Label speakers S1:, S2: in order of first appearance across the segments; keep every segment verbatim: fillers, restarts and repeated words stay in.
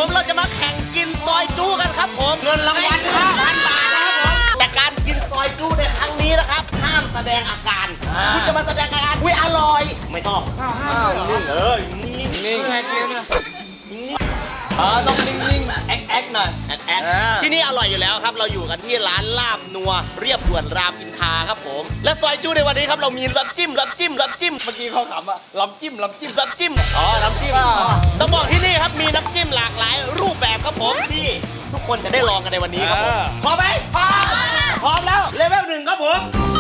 S1: ผมเราจะมาแข่งกินซอยจู้กันครับผมเงินรางวัลห้าพันบาทนะครับผมแต่การกินซอยจู้ในครั้งนี้นะครับห้ามแสดงอาการคุณจะมาแสดงอาการอุ้ยอร่อยไม่ต้องห้ามนิ่งเออนิ่งนิ่งแค่นี้เออต้องนิ่งๆแอ๊กแอ๊กหน่อยแอ๊กแอ๊กที่นี่อร่อยอยู่แล้วครับเราอยู่กันที่ร้านลาบนัวเรียบด่วนรามอินทราครับผมและซอยจู้ในวันนี้ครับเรามีลำจิ้มลำจิ้มลำจิ้มเมื่อกี้เขาขำอะลำจิ้มลำจิ้มลำจิ้มอ๋อลำจิ้มต้องบอกที่นี่ครับมีน้ำจิ้มหลากหลายรูปแบบครับผมที่ทุกคนจะได้ลองกันในวันนี้ครับผมพร้อมไหมพร้อมพร้อมแล้วเลเวลหนึ่งครับผม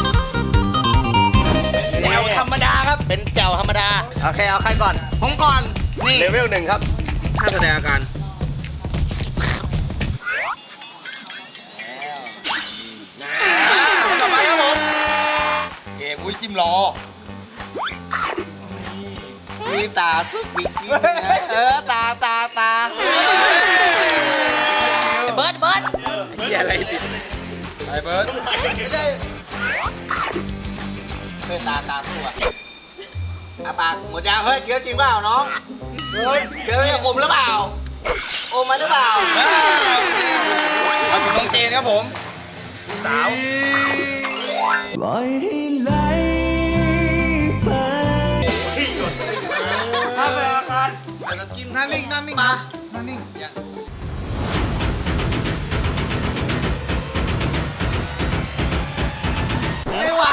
S1: แจ่วธรรมดาครับเป็นแจ่วธรรมดาโอเคเอาใครก่อนผมก่อนนี่เลเวลหนึ่งครับห้ามแสดงอาการต่อไปครับผมเกมอุ้ยจิ้มรอมีตาทุกบิ๊กเออตาตาตาเบิร์ดเบิร์ดเฮียอะไรติดไอ้เบิร์ดไม่ได้เฮ้ยตาตาสู้อ่ะอาปากหมดยางเฮ้ยเคี้ยวจริงเปล่าน้องเฮ้ยเคี้ยวเนี่ยอมหรือเปล่าอมมาหรือเปล่าเอาถึงน้องเจนครับผมสาวปล่อยให้ไหลไปถ้าเป็นอาการน้ำจิ้มนั่นนิ่งนั่นนิ่งมานั่นนิ่งไม่ไหวย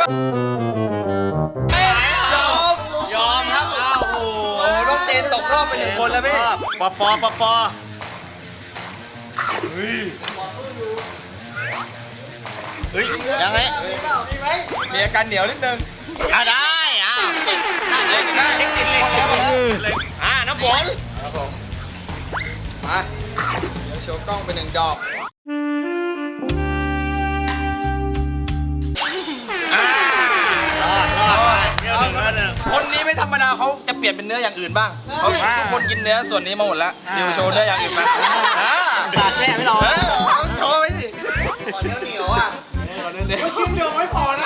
S1: อมยอมครับอ้าวโอ้โหน้องเจนตกรอบไปหนึ่งคนแล้วพี่ปอปอปอปอเฮ้ยเฮ้ยยังไงมีไหมมีอาการเหนียวนิดนึงอ่ะได้อ่ะได้ได้เทคนิคเลยอ่ะน้ำฝนครับผมมาเดี๋ยวโชว์กล้องไปหนึ่งดอกคนนี้ไม่ธรรมดาเขาจะเปลี่ยนเป็นเนื้ออย่างอื่นบ้างเขาทุกคนกินเนื้อส่วนนี้มาหมดแล้วเดี๋ยวโชว์เนื้ออย่างอื่นมาตาแช่ไม่รอโชว์ไปสิก่อนเนื้อเหนียวอ่ะไม่ชิ้นเดียวไม่พอนะ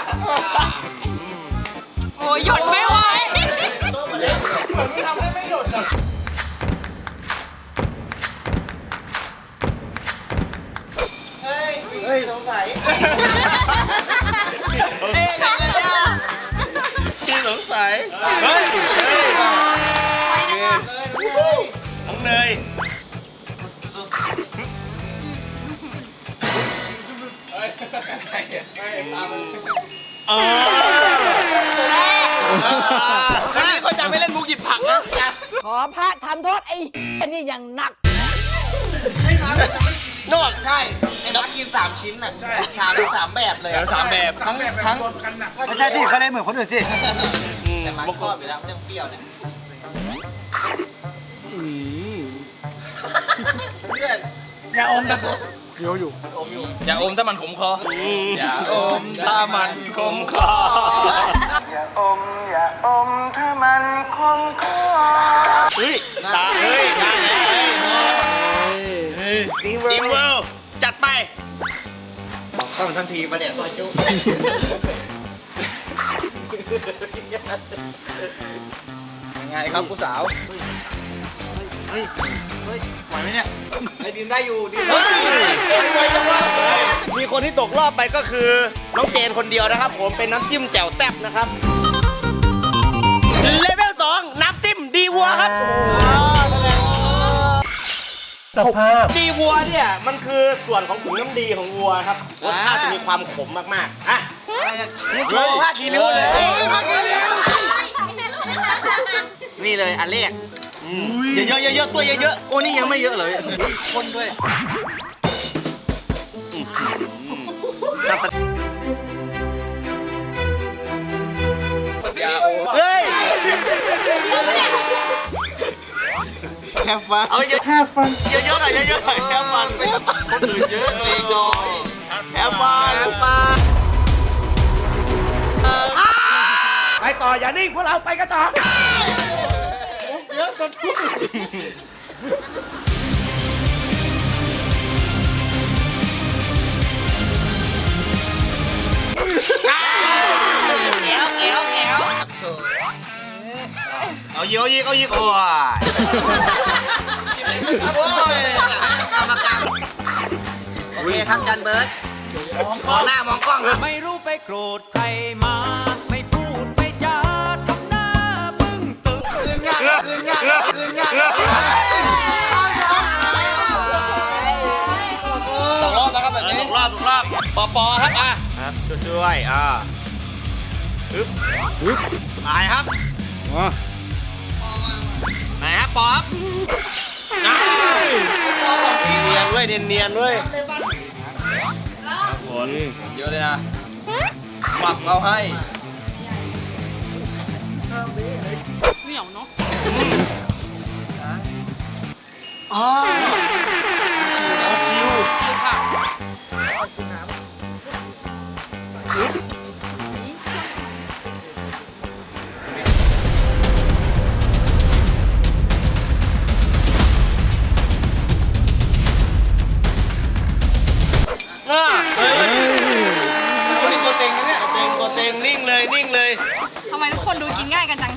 S2: โอ้ยหยุดไม่ไหว
S1: ตัวมันเล็กเหมือนไม่ทำให้ไม่หยุดอ่ะเฮ้ยเฮ้ยสงสัยเฮ้ยพี่สงสัยเฮ้ยเฮ้ยน้องเนยเออคนนี้เขาจะไม่เล่นมุกหยิบผักนะ
S2: ขอพระทำโทษไอ้นี่อย่างหนัก
S1: นวดใช่ไอ้นักกินสามชิ้นน่ะใช่สามสามแบบเลยสามแบบทั้งทั้ง
S3: ไม่ใช่ที่เขาเล่นเหมือนคนอื่นสิ
S1: แต่มันชอบอยู่แล้วเรื่องเปรี้ยวเนี่ยเพื่อนอย่าอมนะ
S3: เดี๋ยวอยู่
S1: อมอยู่อย่าอมถ้ามันขมคออย่าอมถ้ามันขมคอ
S3: อย่าอมอย่าอมถ้ามันคมคอ
S1: เฮ้ยตาเฮ้ยได้เฮ้ยดีเวิลด์จัดไปเข้าทันทีมาเนี่ยซอยจุ๊ยังไงครับผู้สาวเฮ้ยเฮ้ยไหวไหมเนี่ยไอ้ดินได้อยู่ดินไหวจังวะมีคนที่ตกรอบไปก็คือน้องเจนคนเดียวนะครับผมเป็นน้ำจิ้มแจ่วแซ่บนะครับเลเวลสองน้ำจิ้มดีวัวครับ
S3: สภาพ
S1: ดีวัวเนี่ยมันคือส่วนของถุงน้ำดีของวัวครับรสชาติจะมีความขมมากๆอ่ะโชว์ผ้าคีริ้วเลยนี่เลยอันแรกเยอะๆเยอะๆตัวเยอะๆโอ้นี่ยังไม่เยอะเลยคนด้วยเฮ้ยแฮฟฟันเอาเยอะแฮฟฟันเยอะๆหน่อยเยอะๆหน่อยแฮฟฟันคนอื่นเยอะเองน้อยแฮฟฟันแฮฟฟันไปต่ออย่านิ่งพวกเราไปกันต่อเยอะกันทุกเอวเอวเอวเอาเยอะยิงเอายิงโอ้ยเคครับจันเบิร์ดมองหน้ามองกล้องครับ
S4: ไม่รู้ไปโกรธใครมา ไม่พูดไม่จาทำหน้าบึ้งตึง
S1: คืนยากคืนยากคืนยากสองรอบนะครับแบบนี้สองรอบสองรอบปอปอครับอ่ะครับช่วยๆอ่าฮึบฮึบตายครับไหนครับปอบเนียนๆเว้ยเนียนๆเว้ยผลเยอะเลยนะหมักเราให้เหนียวเนาะอ๋อคิวค่ะอ่าเฮ้ยคนนี้ตัวเต็งนะเนี่ยเต็งตัวเต็งนิ่งเลยนิ่งเลย
S5: ทำไมทุกคนดูกินง่ายกันจัง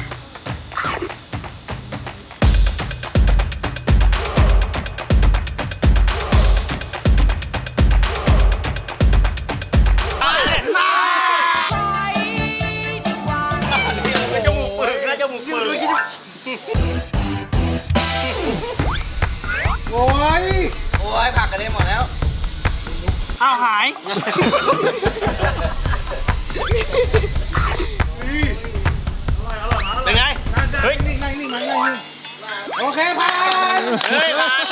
S1: จมูกปึกนะจมูกปึกโอ้ยโอ้ยผักกันได้หมดแล้วอ้าวหายเป็นไงเฮ้ยนิ่งนิ่งนิ่งนิ่งโอเคผ่านเฮ้ยผ่าน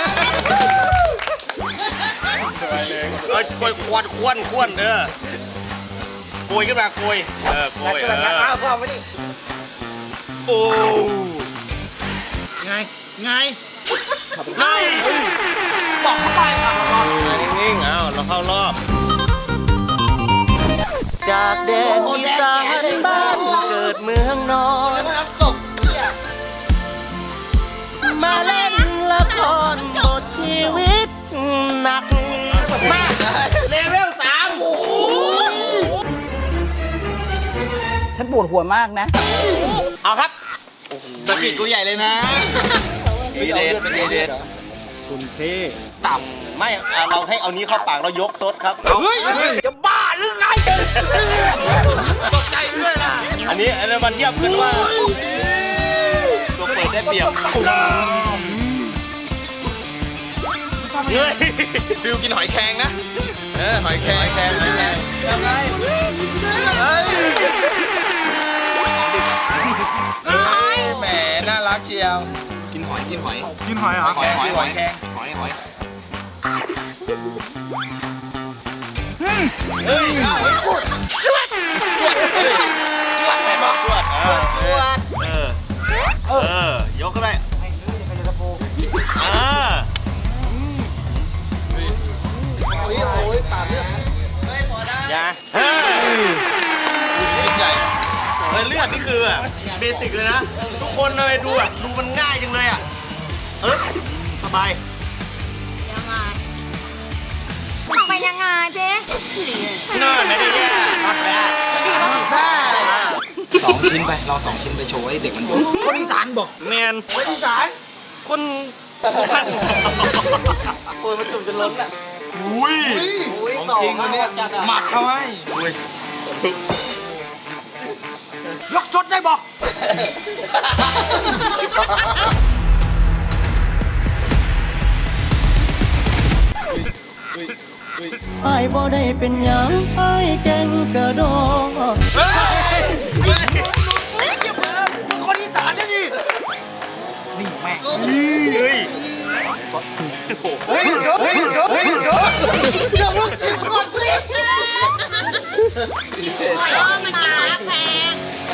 S1: เฮ้ยควนควนควนควนเออโกยขึ้นมาโกยเออโกยเอออ้าวฟังไว้ดิโอ้ไงไงไงบอกเข้าไปอ่ะนิ่งๆเอาเราเข้ารอบจากแดนอีสานบ้านเกิดเมืองนอนมาเล่นละครบทชีวิตหนักมากเลเวลสามโอ้โห
S2: ฉันปวดหัวมากนะ
S1: เอาครับ
S3: สกิดกูใหญ่เลยนะ
S1: ดีเดทดีเดท
S4: คุณเท่
S1: ต่ำไม่อ่ะเราให้เอานี้เข้าปากเรายกซดครับ
S3: เฮ้ย
S1: จะบ้าหรือไงตกใจด้วยนะอันนี้อันนี้มันเทียบกันว่าตัวเปิดได้เปรียบเฮ้ย
S3: ฟิวกินหอยแครงนะ เออหอยแครงหอยแครงหอยแครงยังไงแหมน่ารักเชียวกินหอยกินหอย
S4: กินหอยเหรอ
S3: หอยหอยหอยแครงหอยหอยเฮ้ยหอยพูดจวดจวดจวดไหนบอกจวดจวดจวด
S1: เออเออยกก็ได้อ่า
S3: โอ้ยโอ้ยปากเนี่ย
S1: อย่าเฮ้ย
S3: ชิ้นใหญ่
S1: เฮ้ยเลือดนี่คือแบบเบสิกเลยนะ ทุกคนเลยดูอ่ะดูมันง่ายจังเลยอ่ะเออสบาย
S5: ยังไงไปยังไงเจ๊
S1: น่าไม่ได้แย่มากแล้ว
S5: ดีป่ะ
S3: สองชิ้นไป เราสองชิ้นไปโชว์ให้เด็กมันดู
S1: คนอีสานบอกแมนคนอีสานคน
S3: โอ้ยมันจุ่มจนล้นอ่ะ
S1: อุ้ย
S3: ของจริงวันนี้หมักเขาให้
S1: อุ้ย
S4: ยกชดได้บอก
S2: ไอ้บ่ได้เป็นหยังไอ้แกงกระดอง
S1: เฮ้ย
S3: คนอีสานเนี่ยดิ
S4: นี่แม่ง
S1: เฮ้ย
S3: เฮ้ยเฮ้ยเฮ้ยเดี๋ยวลูกชิ้นก่อนสิ
S5: หอยอ้อมันกินรักแพง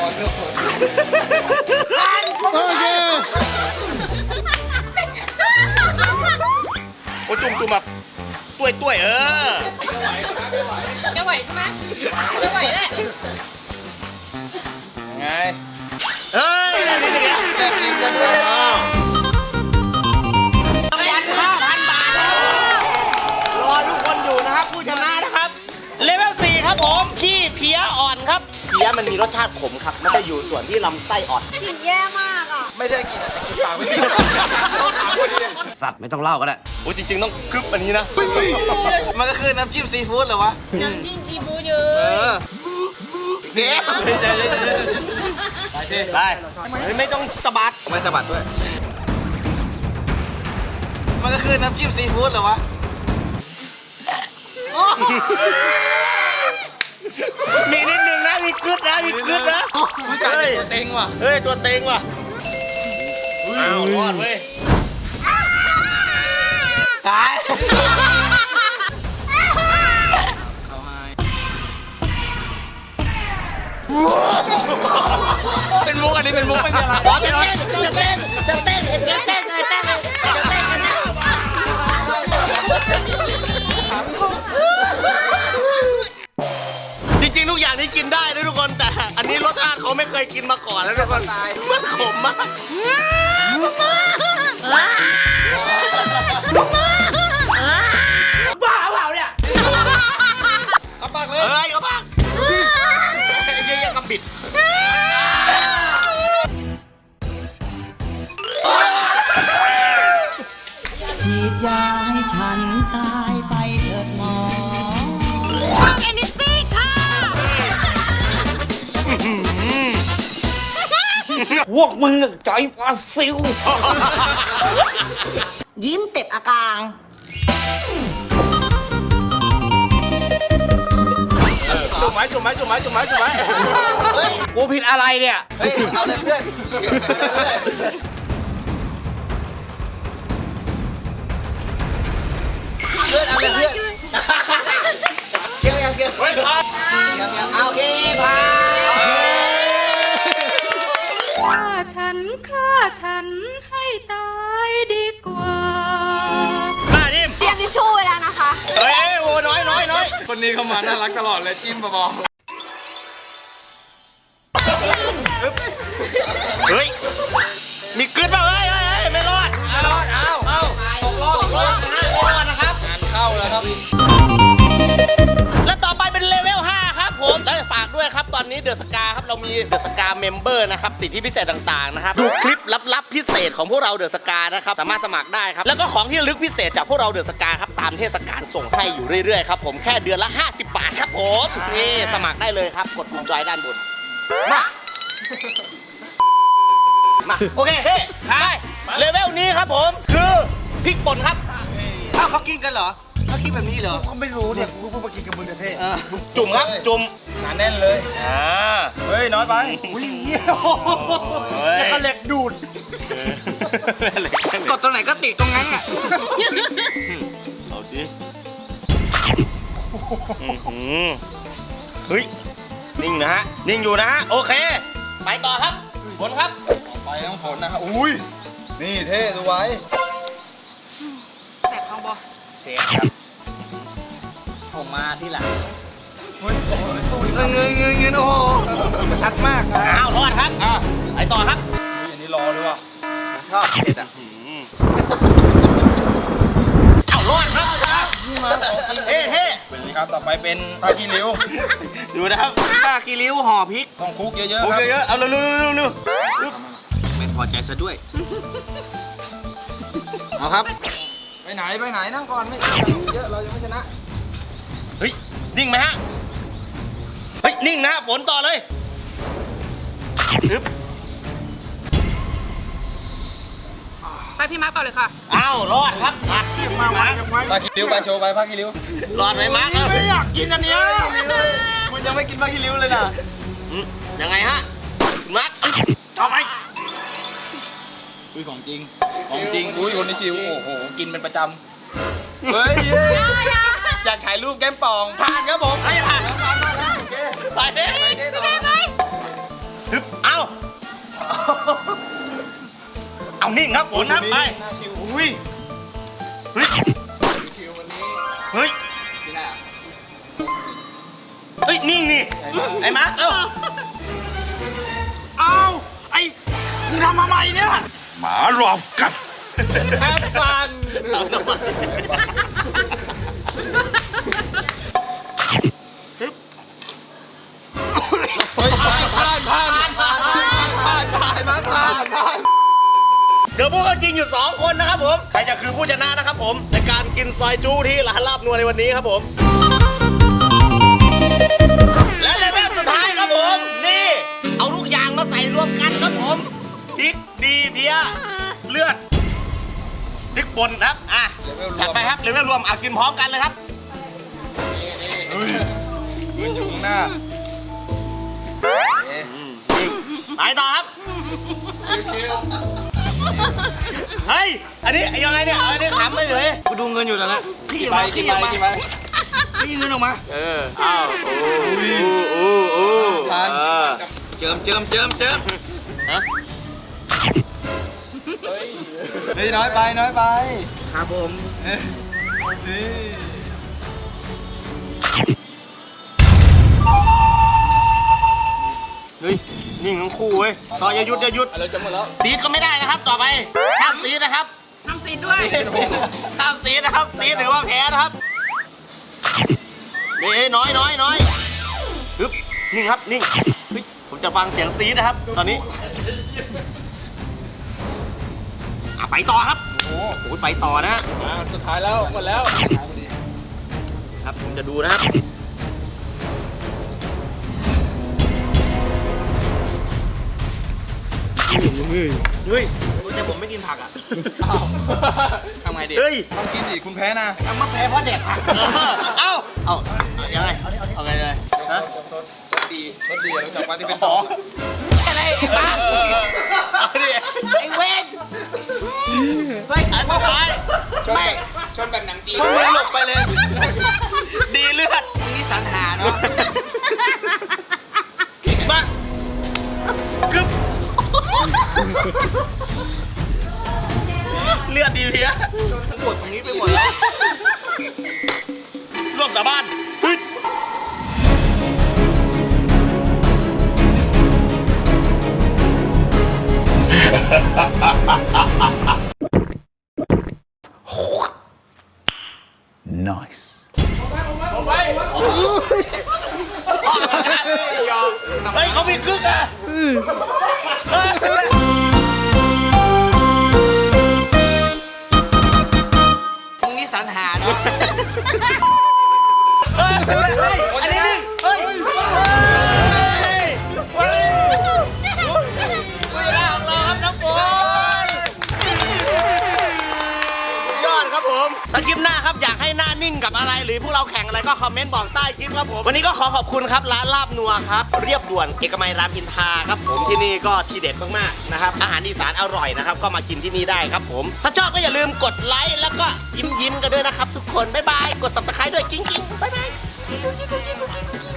S3: โอเค
S1: โอ้จุ่มจุ่มแบบต้วยต้วยเออ
S5: จะไหวใช่ไหมจะไหวแหละ
S3: ไง
S1: เฮ้ยแบบนี้เนี่ย
S3: แบบนี้กันเลย
S1: อ้าว
S2: รางวัลห้าพันบาท
S1: รอทุกคนอยู่นะครับผู้ชนะนะครับเลเวลสี่ครับผมขี้เพี้ยอ่อนครับเพี้ยมันมีรสชาติขมครับมันจะอยู่ส่วนที่ลำไส้อ่อน
S5: กลิ่นแย่มากอ่ะ
S3: ไม่ได้กินแต่กินปากไม่ได้สัตว์ไม่ต้องเล่าก็ได้
S1: โอ้จริงๆต้องกรึบอันนี้นะ
S3: มันก็คือน้ำจิ้มซีฟู้ดเหรอวะ
S5: น้ำจิ้มซีฟู้ดเยอ
S3: เอะ อเดี๋ยว
S1: ได้เฮ้ยไม่ต้องสะบัด
S3: ไม่สะบัดด้วย มันก็คือน้ำจิ้มซีฟู้ดเหรอวะ
S1: มีนิดนึงนะมีกรึบนะมีกรึบนะ
S3: กูจ่ายตัวเต็งว่ะ
S1: เฮ้ยตัวเต็งว่ะอ้าวรอดเว้ย
S3: ตาย เป็นมุกอันนี้เป็นมุกไม่มีอะไร
S1: จะเต้นจะเต้นจะเต้นจะเต้นจะเต้นจะเต้นกันนะจริงๆทุกอย่างที่กินได้นะทุกคนแต่อันนี้รสชาติเขาไม่เคยกินมาก่อนแล้วทุกคนมันขมมากบ้าเปล่าเนี่ย
S3: กระปักเลย
S1: เฮ้ยกระปักเยอะๆกระปิด
S2: ฉีดยาให้ฉันตายไปเถิดหมอ
S5: ฟังเอนิตี้ค่ะ
S3: พวกมึงใจปลาซิว
S6: ยิ้มเต็บอากาง
S3: จุ่มไหมจุ่มไหมจุ่มไหมจุ่มไหมจุ่มไหมกูผิดอะไรเนี่ย เฮ้ย เอาเลยเพื่อนเพื่อนเอาเลยเพื่อนเกี่ยวยังเกี่ยวเฮ้ยพาโอเคพา
S5: ฆ่าฉันฆ่าฉันให้ตายดีกว่า
S1: มาดิม
S5: เตรียมทิชชู่ไว้แล้วนะคะ
S1: เฮ้ยโอ้น้อยน้อยน้อย
S3: คนนี้เขามาน่ารักตลอดเลยจิ้มเบา
S1: เฮ้ยมีกึศเปล่าเฮ้ยเฮ้ยเฮ้ยไม่รอด
S3: ๆไม่รอดเอา
S1: เอาตกรอบตกรอบนะไม่รอดนะครับ
S3: งานเข้าแล้วครับ
S1: และต่อไปเป็นเลเวลห้าครับผมและฝากด้วยครับตอนนี้เดอะสกาครับเรามีเดอะสกาเมมเบอร์นะครับสิทธิพิเศษต่างๆนะครับดูคลิปลับๆพิเศษของพวกเราเดอะสกานะครับสามารถสมัครได้ครับแล้วก็ของที่ระลึกพิเศษจากพวกเราเดอะสกาครับตามเทศกาลส่งให้อยู่เรื่อยๆครับผมแค่เดือนละห้าสิบบาทครับผมนี่สมัครได้เลยครับกดปุ่มจอยด้านบนมามาโอเคเฮ้ยไปเลเวลนี้ครับผมคือพริกป่นครับ
S3: อ้าวเขากินกันเหรอเขากินแบบนี้เหรอ
S7: ก็ไม่รู้เนี่ยกูเพิ่งมากินกับมึงกับเท่
S3: เออ
S1: จุ่มครับจุ่ม
S7: หนาแน่นเลย
S1: อ่า
S7: เฮ้ย น้อยไป อุ้ยเหี้ยจะกระเหล็กดูด
S3: กดตรงไหนก็ติดตรงนั้นอ่ะ
S1: เอาสิอื้อหือเฮ้ย นิ่งนะฮะ นิ่งอยู่นะฮะ โอเค ไปต่อครับฝนครับ
S7: ไปน้ำฝนนะครับอุ้ย นี่เท่ดูไว้
S5: แสบท้องบอ
S1: เสียครับ
S3: ผมมาที่หลังเงินเงินเงินเงินโอ้โหชัดมาก
S1: อ้าวรอดครับอ่าไปต่อครับ
S7: อุ้ยอันนี้รอด้วยว่ะ
S3: ชอบเผ็ดอ่ะ
S1: อื้อหืออ้าวรอดครับเฮ้เฮ้
S7: นี่ครับ ต่อไปเป็นปลากีริ้ว
S1: ดูนะครับป้ากีริ้วห่อพริก
S7: ต้องคลุกเยอะ
S1: โอ
S7: ๆค
S1: เครับ เยอะๆเอาเร็วๆเร็ว
S3: ไม่พอใจซะด้วย
S7: เอาครับ ไปไหน ไปไหน นั่งก่อน ไม่เยอะ เรายังไม่ชนะ
S1: ๆเฮ้ย นิ่งไหมฮะ เฮ้ย นิ่งนะฝนต่อเลยอึ๊บ
S5: ไปพี่มาร์คต่อเลยค่ะ
S1: อ้าวรอดครับมาที่มามา
S7: ปลากีริ้วปลาโชว์ไปปลากีริ้ว
S1: รอดไหมมาร์คเอ้า
S7: ไม่อยากกินอันเนี้ยคุณยังไม่กินปลากีริ้วเลยนะ
S1: อืมยังไงฮะมาร์คเอาไป
S7: อุ้ยของจริง ของจริง อุ้ยคนนี้ชิว โอ้โห กินเป็นประจำ เฮ้ยเย้อยากถ่ายรูปแก้มป่อง ผ่านครับผม
S1: ไอ้ผ่าน
S7: ผ่านมาแล้วโอเค
S1: ไปเด้
S7: ไปเด้ต่อ
S1: ฮึบเอาเอานิ่งครับฝนครับไป
S7: น่าชิว
S1: อุ้ยเฮ้ย
S7: ชิววันนี้
S1: เฮ้ย
S7: ที่หน้า
S1: เฮ้ยนิ่งนี่ไอ้มาร์คเอ้า
S7: เอาไอ้มึงทำมาใหม่เนี่ย
S1: หมารอบกัด
S3: แค่ฟัน
S1: เอาน้ำมันฮึบ
S3: ผ่านผ่านผ่านผ่านผ่านผ่านผ่านผ่านผ่าน
S1: ลือผู้เข้าจริงอยู่สองคนนะครับผมใครจะคือผู้ชนะนะครับผมในการกินซอยจูที่ร้านลาบนัวในวันนี้ครับผมและเลเวลสุดท้ายครับผมนี่เอาทุกอย่างมาใส่รวมกันครับผมพริกดีเพียเลือดพริกป่นครับอ่ะจัดไปครับเลเวลรวมเอากินพร้อมกันเลยครับ
S7: ยืนอยู่ข้างหน้า
S1: ไปต่อครับเฮ้ยอันนี้ยังไงเนี่ยอันนี้ขำไม่เลยกูดูเงินอยู่ตอนนั้นขี้
S7: ไป
S1: มา
S7: กิน
S1: ขี้
S7: ไป
S1: มา
S7: กินไป
S1: ขี้เงินออกมาเอออ้าวโอ้โอ้โอ้
S7: ทาน
S1: เจิมเจิมเจิมเจิมฮะ
S7: เฮ้ยน้อยไปน้อยไป
S1: ครับผม
S7: เอ้ยนี่
S1: เฮ้ยนิ่งทั้งคู่เว้ยต่ออย่าหยุดอย่าหยุด
S7: อะไรจะหมดแล้ว
S1: ซีดก็ไม่ได้นะครับต่อไปห้ามซีดนะครับ
S5: ทำซีนด้วย
S1: ห้ามซีดนะครับซีดถือว่าแพ้นะครับเอ้ยน้อยน้อยน้อยฮึบนิ่งครับนิ่งเฮ้ยผมจะฟังเสียงซีดนะครับ ตอนนี้อ่ะไปต่อครับโอ้โหไปต่อนะฮะ
S7: อ่าสุดท้ายแล้วหมดแล้ว
S1: ครับผมจะดูนะครับเฮ้ยแต่ผมไม่กินผักอ่ะ
S7: อ้าว
S1: ทำไงดีเฮ้ย
S7: ต้องกินดิคุณแพ้นะ
S1: ทำมาแพ้เพราะแดดผักเอ้าเอ้ายังไงเอาไงเลยฮะ
S7: ซดซดดีซดดีเราจับปาที่เป็น
S1: ข
S7: ส
S1: อ
S7: อง
S1: อะไรไอ้บ้าไอ้เวนเฮ้ยอันสุดท้ายไม่
S7: ชนแบบหนังจีน
S1: มึงหลบไปเลย ดีเลือดนี่สันหาเนาะมากึ๊บเลือดดีเพี้ยปวดตรงนี้ไปหมดแล้วร่วมสาบานฮึดเฮ้ยเขามีกึ๊กอ่ะตรงนี้สันหาเนาะเฮ้ยเฮ้ยอันนี้นี่เฮ้ยเฮ้ยเฮ้ยเวลาของเราครับน้ำฝนยอดครับผมถ้าคลิปหน้าครับอยากให้หน้านิ่งกับอะไรหรือพวกเราแข่งอะไรก็คอมเมนต์บอกใต้คลิปครับผมวันนี้ก็ขอขอบคุณครับร้านลาบนัวครับเรียบด่วนเอกมัยรามอินทราครับผมที่นี่ก็ทีเด็ดมากๆนะครับอาหารอีสานอร่อยนะครับก็มากินที่นี่ได้ครับผมถ้าชอบก็อย่าลืมกดไลค์แล้วก็ยิ้มยิ้มๆกันด้วยนะครับทุกคนบ๊ายบายกด ซับสไครบ์ ด้วยกิ๊งกิ๊งบ๊ายบาย